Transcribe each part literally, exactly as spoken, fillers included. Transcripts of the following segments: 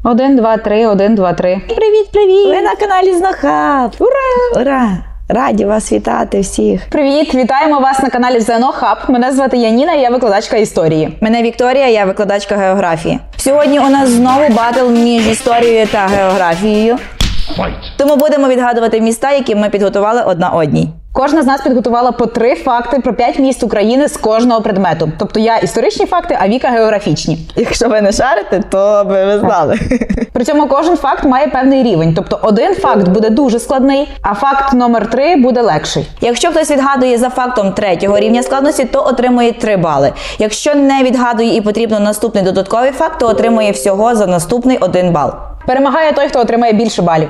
Один, два, три, один, два, три. Привіт, привіт! Ви на каналі Знохаб! Ура! Ура! Раді вас вітати всіх! Привіт! Вітаємо вас на каналі Знохаб. Мене звати Яніна, я викладачка історії. Мене Вікторія, я викладачка географії. Сьогодні у нас знову батл між історією та географією. Тому будемо відгадувати міста, які ми підготували одна одній. Кожна з нас підготувала по три факти про п'ять міст України з кожного предмету. Тобто я історичні факти, а Віка географічні. Якщо ви не шарите, то би ви знали. При цьому кожен факт має певний рівень. Тобто один факт буде дуже складний, а факт номер три буде легший. Якщо хтось відгадує за фактом третього рівня складності, то отримує три бали. Якщо не відгадує і потрібно наступний додатковий факт, то отримує всього за наступний один бал. Перемагає той, хто отримає більше балів.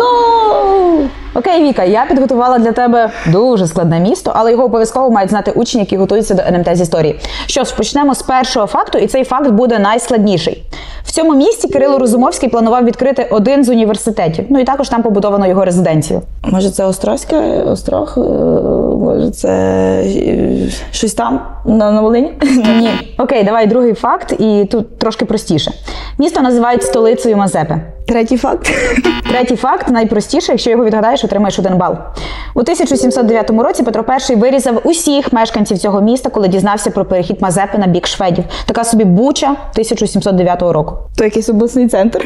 Го-го! Окей, Віка, я підготувала для тебе дуже складне місто, але його обов'язково мають знати учні, які готуються до ен ем те з історії. Що ж, почнемо з першого факту, і цей факт буде найскладніший. В цьому місті Кирило Розумовський планував відкрити один з університетів. Ну і також там побудовано його резиденцію. Може це Острозька, Острог? Може це щось там на, на Волині? Ні. Окей, давай другий факт, і тут трошки простіше. Місто називають столицею Мазепи. Третій факт. Третій факт найпростіший, якщо його відгадаєш, отримаєш один бал. У тисяча сімсот дев'ятому році Петро І вирізав усіх мешканців цього міста, коли дізнався про перехід Мазепи на бік шведів. Така собі Буча тисяча сімсот дев'ятого року. То якийсь обласний центр?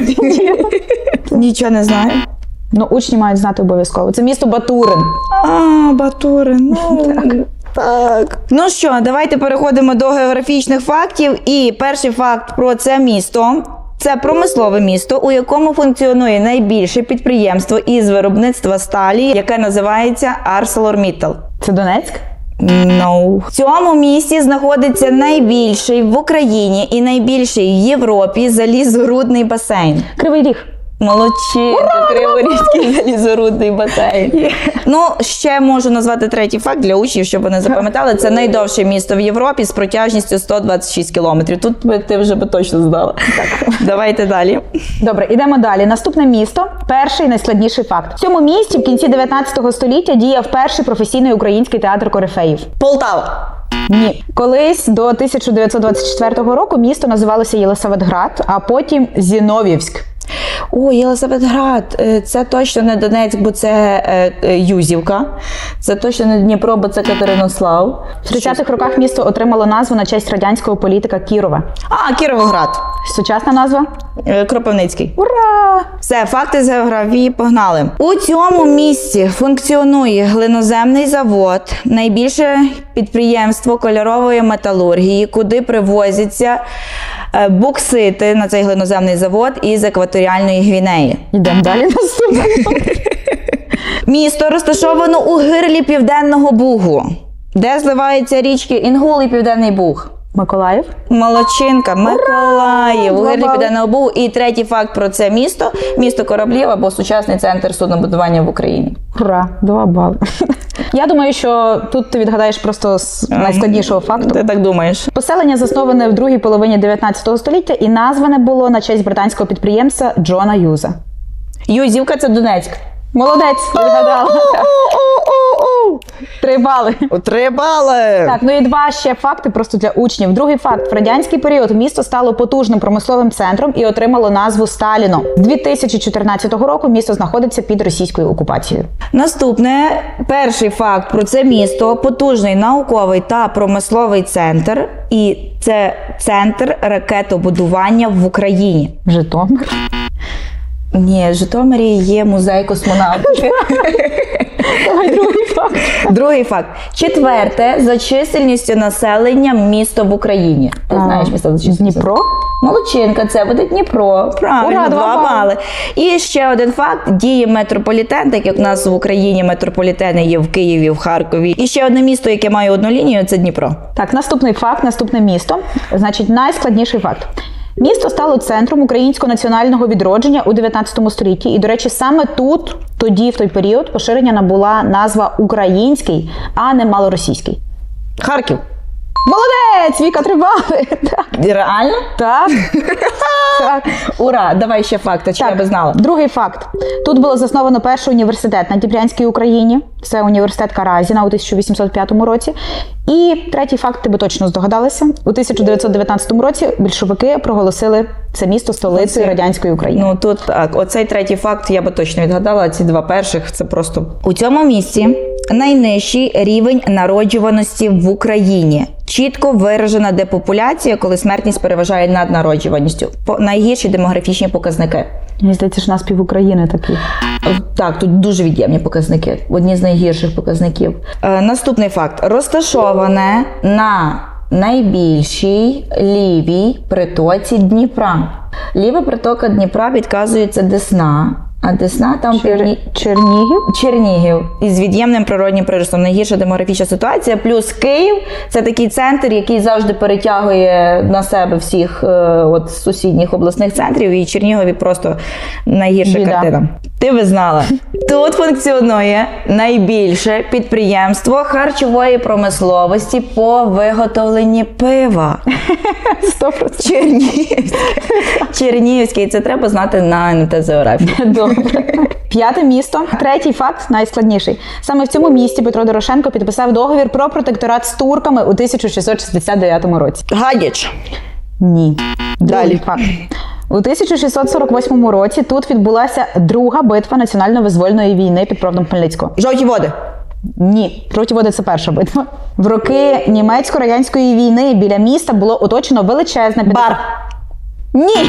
Нічого не знаю. Ну, учні мають знати обов'язково. Це місто Батурин. А, Батурин. Ну, так. Так. Ну що, давайте переходимо до географічних фактів. І перший факт про це місто. Це промислове місто, у якому функціонує найбільше підприємство із виробництва сталі, яке називається ArcelorMittal. Це Донецьк? No. В цьому місті знаходиться найбільший в Україні і найбільший в Європі залізорудний басейн. Кривий Ріг. Молодчинка, Криворізький залізорудний басейн. Yeah. Ну, ще можу назвати третій факт для учнів, щоб вони запам'ятали. Це найдовше місто в Європі з протяжністю сто двадцять шість кілометрів. Тут би ти вже би точно знала. Так. Давайте далі. Добре, ідемо далі. Наступне місто – перший найскладніший факт. В цьому місті в кінці дев'ятнадцятого століття діяв перший професійний український театр корифеїв. Полтава. Ні. Колись до тисяча дев'ятсот двадцять четвертого року місто називалося Єлисаветград, а потім Зінов'ївськ. О, Єлисаветград, це точно не Донецьк, бо це е, Юзівка. Це точно не Дніпро, бо це Катеринослав. В тридцятих роках місто отримало назву на честь радянського політика Кірова. А, Кіровоград. Сучасна назва? Е, Кропивницький. Ура! Все, факти з географії погнали. У цьому місці функціонує глиноземний завод, найбільше підприємство кольорової металургії, куди привозяться боксити на цей глиноземний завод із екваторіальної Гвінеї. Йдемо далі наступне. Місто розташовано у гирлі Південного Бугу, де зливаються річки Інгул і Південний Буг. Миколаїв. Молодчинка, Миколаїв, у гирлі Два Південного Бугу. І третій факт про це місто – місто кораблів або сучасний центр суднобудування в Україні. Ура, два бали. Я думаю, що тут ти відгадаєш просто з найскладнішого факту. Ти так думаєш? Поселення засноване в другій половині дев'ятнадцятого століття і назване було на честь британського підприємця Джона Юза. Юзівка – це Донецьк. Молодець, відгадала. Три бали. Три бали! Так, ну і два ще факти просто для учнів. Другий факт. В радянський період місто стало потужним промисловим центром і отримало назву Сталіно. З дві тисячі чотирнадцятого року місто знаходиться під російською окупацією. Наступне, перший факт про це місто – потужний науковий та промисловий центр. І це центр ракетобудування в Україні. Житомир. Ні, в Житомирі є музей космонавтики. Давай другий факт. Другий факт. Четверте за чисельністю населення місто в Україні. Ти знаєш місто за чисельністю? Дніпро? Молодчинка, це буде Дніпро. Правильно, Ура, два два бали. І ще один факт. Діє метрополітен, так як в нас в Україні метрополітени є в Києві, в Харкові. І ще одне місто, яке має одну лінію, це Дніпро. Так, наступний факт, наступне місто. Значить, найскладніший факт. Місто стало центром українського національного відродження у дев'ятнадцятому столітті. І, до речі, саме тут, тоді, в той період, поширення набула назва український, а не малоросійський. Харків. Молодець! Віка, три бали! Так. Реально? Так. Так. Ура! Давай ще факти, чи я би знала. Другий факт. Тут було засновано перший університет на Дніпрянській Україні. Це університет Каразіна у тисяча вісімсот п'ятому році. І третій факт, ти би точно здогадалася. У тисяча дев'ятсот дев'ятнадцятому році більшовики проголосили це місто столицею радянської України. Ну тут так, оцей третій факт я би точно відгадала, а ці два перших це просто. У цьому місці найнижчий рівень народжуваності в Україні. Чітко виражена депопуляція, коли смертність переважає над народжуваністю. По найгірші демографічні показники. Мені здається, що у нас пів України такі. Так, тут дуже від'ємні показники. Одні з найгірших показників. Е, наступний факт. Розташоване на найбільшій лівій притоці Дніпра. Ліва притока Дніпра підказується Десна, а Десна там Чер... півні... Чернігів. Чернігів. Із від'ємним природнім приростом. Найгірша демографічна ситуація. Плюс Київ – це такий центр, який завжди перетягує на себе всіх е, от, сусідніх обласних центрів. І Чернігові просто найгірша Біда. картина. Ти би знала. Тут функціонує найбільше підприємство харчової промисловості по виготовленні пива. Сто процентів. Чернігівське. Чернігівське. І це треба знати на ен ем те з географії. Добре. П'яте місто. Третій факт, найскладніший. Саме в цьому місті Петро Дорошенко підписав договір про протекторат з турками у тисяча шістсот шістдесят дев'ятому році. Гадяч. Ні. Далі. Другий факт. У тисяча шістсот сорок восьмому році тут відбулася друга битва національно-визвольної війни під Проводом Хмельницького. Жовті води. Ні, жовті води – це перша битва. В роки німецько-радянської війни біля міста було оточено величезне Бар. Ні!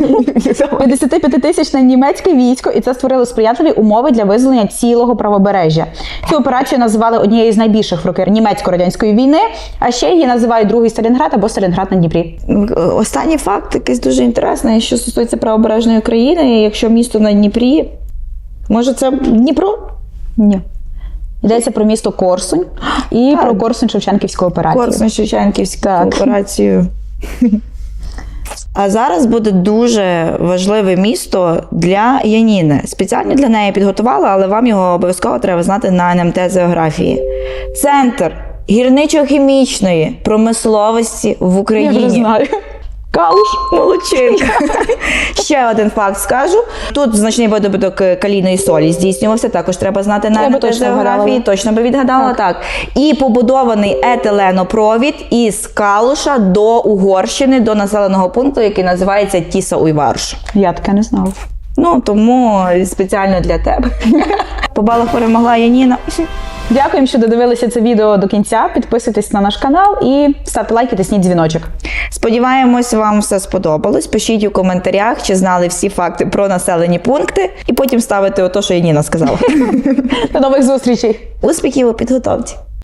п'ятдесятип'ятитисячне німецьке військо, і це створило сприятливі умови для визволення цілого правобережжя. Цю операцію називали однією з найбільших в роки німецько-радянської війни, а ще її називають другий Сталінград або Сталінград на Дніпрі. Останній факт якийсь дуже інтересний, що стосується правобережної України. Якщо місто на Дніпрі, може це Дніпро? Ні. Йдеться про місто Корсунь і Так. про Корсунь-Шевченківську операцію. Корсунь-Шевченківську Так. операцію. А зараз буде дуже важливе місто для Яніни. Спеціально для неї підготувала, але вам його обов'язково треба знати на ен ем те з географії. Центр гірничо-хімічної промисловості в Україні. Я вже знаю. Калуш, молодчинка. Ще один факт скажу. Тут значний видобуток калійної солі здійснювався, також треба знати на Я ен би ем те з точно географії. вгадала. Точно би відгадала, так. так. І побудований етиленопровід із Калуша до Угорщини, до населеного пункту, який називається Тіса-Уйварш. Я таке не знала. Ну, тому спеціально для тебе. По балах перемогла Яніна. Дякуємо, що додивилися це відео до кінця. Підписуйтесь на наш канал і ставте лайки, тисніть дзвіночок. Сподіваємось, вам все сподобалось. Пишіть у коментарях, чи знали всі факти про населені пункти, і потім ставите ото, що Яніна сказала. До нових зустрічей! Успіхів у підготовці!